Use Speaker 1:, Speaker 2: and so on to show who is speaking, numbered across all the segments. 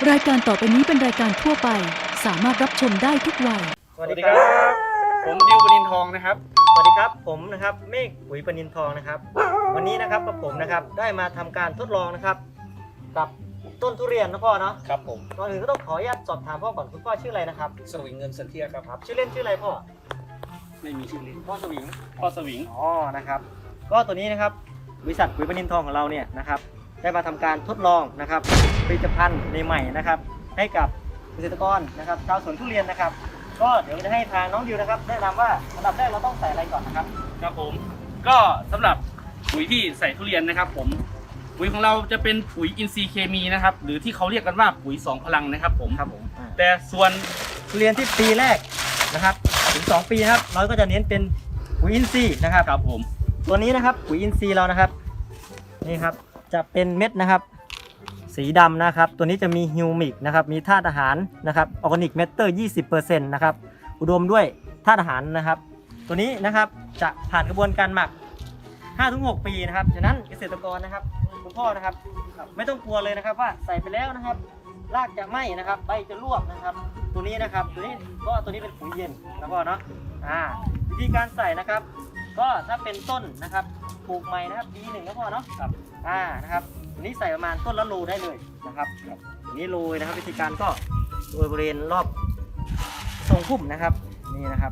Speaker 1: รายการต่อไปนี้เป็นรายการทั่วไปสามารถรับชมได้ทุกวัย
Speaker 2: สวัสดีครับผมดิวปนินทองนะครับสวัสดีครับผมนะครับเมฆปุ๋ยปนินทองนะครับวันนี้นะครับผมนะครับได้มาทำการทดลองนะครับกับต้นทุเรียนนะพ่อเนาะ
Speaker 3: ครับผม
Speaker 2: ก่อนอื่นก็ต้องขออนุญาตสอบถามพ่อก่อนคุณพ่อชื่ออะไรนะครับ
Speaker 3: สวิงเงินสันเทียครับ
Speaker 2: ชื่อเล่นชื่ออะไรพ่อ
Speaker 3: ไม่มีชื่อเล่น
Speaker 2: พ่อสวิง
Speaker 3: อ๋อ
Speaker 2: นะครับก็ตัวนี้นะครับบริษัทปุ๋ยปนินทองของเราเนี่ยนะครับได้มาทำการทดลองนะครับผลิตภัณฑ์ใหม่ๆนะครับให้กับเกษตรกรนะครับชาวสวนทุเรียนนะครับก็เดี๋ยวจะให้ทางน้องดิวนะครับแนะนำว่าอันดับแรกเราต้องใส่อะไรก่อนนะครับ
Speaker 4: ครับผมก็สำหรับปุ๋ยที่ใส่ทุเรียนนะครับผมปุ๋ยของเราจะเป็นปุ๋ยอินทรีย์เคมีนะครับหรือที่เขาเรียกกันว่าปุ๋ย2พลังนะครับผมแต่ส่วน
Speaker 2: ทุเรียนที่ปีแรกนะครับถึง2ปีนะครับเราก็จะเน้นเป็นปุ๋ยอินทรีย์นะครับ
Speaker 4: ครับผม
Speaker 2: ตัวนี้นะครับปุ๋ยอินทรีย์เรานะครับนี่ครับจะเป็นเม็ดนะครับสีดำนะครับตัวนี้จะมีฮิวมิกนะครับมีธาตุอาหารนะครับออร์แกนิกแมตเตอร์ 20% นะครับอุดมด้วยธาตุอาหารนะครับตัวนี้นะครับจะผ่านกระบวนการหมัก 5-6 ปีนะครับฉะนั้นเกษตรกรนะครับคุณพ่อนะครับไม่ต้องกลัวเลยนะครับว่าใส่ไปแล้วนะครับรากจะไหม้นะครับใบจะร่วงนะครับตัวนี้นะครับตัวนี้เป็นปุ๋ยเย็นนะพ่อเนาะวิธีการใส่นะครับก็ถ้าเป็นต้นนะครับปลูกใหม่นะครับปีหนึ่งนะพ่อเนาะครับนะครับตัวนี้ใส่ประมาณต้นละโลได้เลยนะครับตัวนี้โรยนะครับวิธีการก็โรยบริเวณรอบทรงพุ่มนะครับนี่นะครับ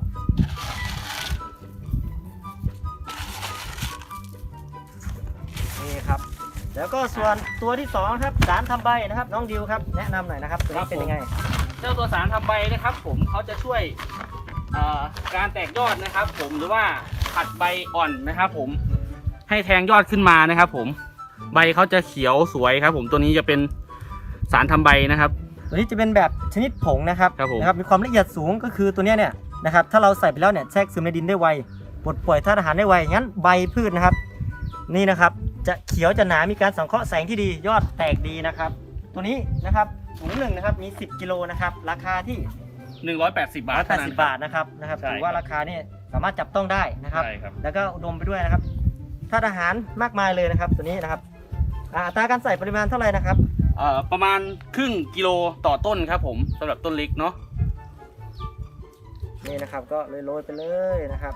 Speaker 2: นี่ครับแล้วก็ส่วนตัวที่2ครับสารทำใบนะครับน้องดิวครับแนะนำหน่อยนะครับตัวนี้เป็นยังไง
Speaker 4: เจ้าตัวสารทำใบนะครับผมเขาจะช่วยการแตกยอดนะครับผมหรือว่าผัดใบอ่อนนะครับผมให้แทงยอดขึ้นมานะครับผมใบเขาจะเขียวสวยครับผมตัวนี้จะเป็นสารทำใบนะครับ
Speaker 2: ตัวนี้จะเป็นแบบชนิดผงนะครับมีความละเอียดสูงก็คือตัวนี้เนี่ยนะครับถ้าเราใส่ไปแล้วเนี่ยแทรกซึมในดินได้ไวปลดปล่อยธาตุอาหารได้ไวงั้นใบพืชนะครับนี่นะครับจะเขียวจะหนามีการสังเคราะห์แสงที่ดียอดแตกดีนะครับตัวนี้นะครับถุงหนึ่งนะครับมี10 กิโลนะครับราคาที่
Speaker 4: 180 บาท
Speaker 2: 180 บาทนะครับถือว่าราคานี่สามารถจับต้องได้นะครับแล้วก็อุดมไปด้วยนะครับธาตุอาหารมากมายเลยนะครับตัวนี้นะครับอัตราการใส่ปริมาณเท่าไหร่นะครับ
Speaker 4: ประมาณครึ่งกิโลต่อต้นครับผมสำหรับต้นเล็กเนาะ
Speaker 2: นี่นะครับก็โรยไปเลยนะครับ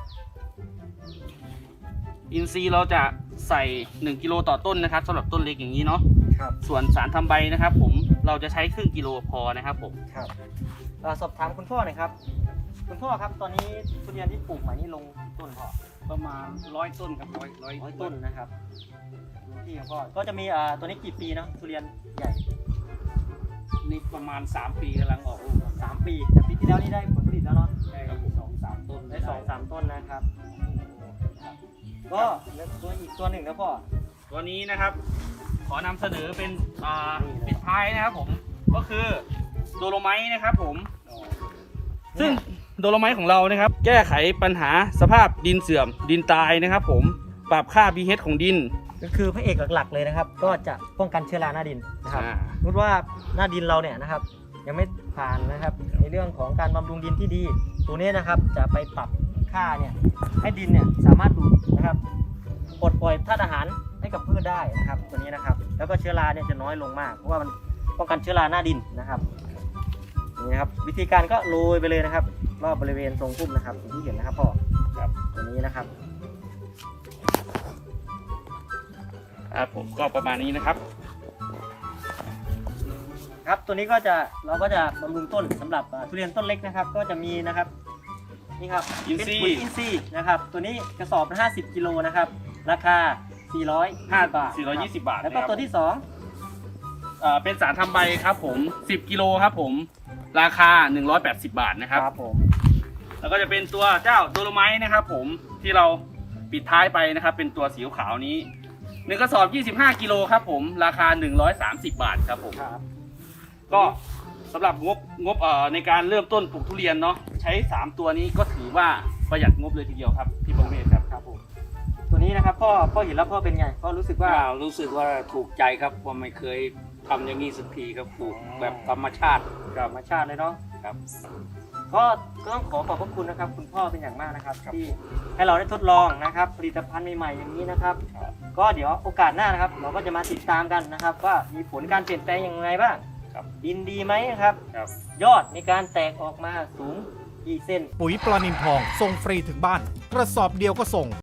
Speaker 4: อินทรีย์เราจะใส่1 กิโลต่อต้นนะครับสำหรับต้นเล็กอย่างนี้เนาะส่วนสารทำใบนะครับผมเราจะใช้ครึ่งกิโลพอนะครับผม
Speaker 2: ครับสอบถามคุณพ่อหน่อยครับคุณพ่อครับตอนนี้ทุเรียนที่ปลูกใหม่นี่ลงต้นพอ
Speaker 4: ประมาณ100 ต้นครับ100
Speaker 2: ต้นนะครับที่ของพ่อก็จะมีตัวนี้กี่ปีเนาะทุเรียนใหญ่
Speaker 4: นี่ประมาณ3 ปีกำลังออกลูก
Speaker 2: 3 ปีแต่ปีที่แล้วนี่ได้ผลผลิตแล้วเนาะ
Speaker 4: ได้ครับ2-3 ต้น
Speaker 2: ได้2-3 ต้นนะครับก็ตัวอีกตัวหนึ่งนะพ่อ
Speaker 4: ตัวนี้นะครับขอนำเสนอเป็นปิดท้ายนะครับผมก็คือโดโลไมต์นะครับผมซึ่งโดโลไมต์ของเรานะครับแก้ไขปัญหาสภาพดินเสื่อมดินตายนะครับผมปรับค่า pH ของดิน
Speaker 2: ก็คือพระเอกหลักๆเลยนะครับก็จะป้องกันเชื้อราหน้าดินนะครับสมมติว่าหน้าดินเราเนี่ยนะครับยังไม่ผ่านนะครับในเรื่องของการบำรุงดินที่ดีตัวนี้นะครับจะไปปรับค่าเนี่ยให้ดินเนี่ยสามารถดูดนะครับปลดปล่อยธาตุอาหารให้กับพืชได้นะครับตัวนี้นะครับแล้วก็เชื้อราเนี่ยจะน้อยลงมากเพราะว่ามันป้องกันเชื้อราหน้าดินนะครับนี่นะครับวิธีการก็โรยไปเลยนะครับรอบบริเวณทรงพุ่มนะครับที่เห็นนะครับพ่อครับตัวนี้นะครับ
Speaker 4: ผมก็ประมาณนี้นะครับ
Speaker 2: ครับตัวนี้เราก็จะบำรุงต้นสำหรับทุเรียนต้นเล็กนะครับก็จะมีนะครับนี่ครับเป็นปุ๋ยอินทรีย์นะครับตัวนี้กระสอบละ50 กิโลนะครับราคา405 บาท
Speaker 4: 420 บาท
Speaker 2: แล้วก็ตัวที่2
Speaker 4: เป็นสารทำใบครับผม10 กิโลครับผมราคา180 บาทนะครับ
Speaker 2: ผม
Speaker 4: แล้วก็จะเป็นตัวเจ้าโดโลไมต์นะครับผมที่เราปิดท้ายไปนะครับเป็นตัวสีขาวนี้1 กระสอบ25 กิโลครับผมราคา130 บาทครับผมก็สำหรับงบในการเริ่มต้นปลูกทุเรียนเนาะใช้3 ตัวนี้ก็ถือว่าประหยัดงบเลยทีเดียวครับพี่ประเวศครับ
Speaker 2: ผมตัวนี้นะครับพ่อเห็นแล้วพ่อเป็นไงพ่อรู้สึกว่า
Speaker 3: ถูกใจครับว่าไม่เคยทำอย่างนี้สักทีครับปลูกแบบธรรมชาติ
Speaker 2: เลยเนาะ
Speaker 3: ครับ
Speaker 2: ก็ต้องขอบพระคุณนะครับคุณพ่อเป็นอย่างมากนะครับที่ให้เราได้ทดลองนะครับผลิตภัณฑ์ใหม่ๆอย่างนี้นะครับก็เดี๋ยวโอกาสหน้านะครับเราก็จะมาติดตามกันนะครับว่ามีผลการเปลี่ยนแปลงอย่างไรบ้าง
Speaker 3: ครับ
Speaker 2: ดินดีไหมครับ
Speaker 3: ครับ
Speaker 2: ยอดมีการแตกออกมาสูงกี่เซน
Speaker 5: ปุ๋ยปลานินทองส่งฟรีถึงบ้าน กระสอบเดียวก็ส่ง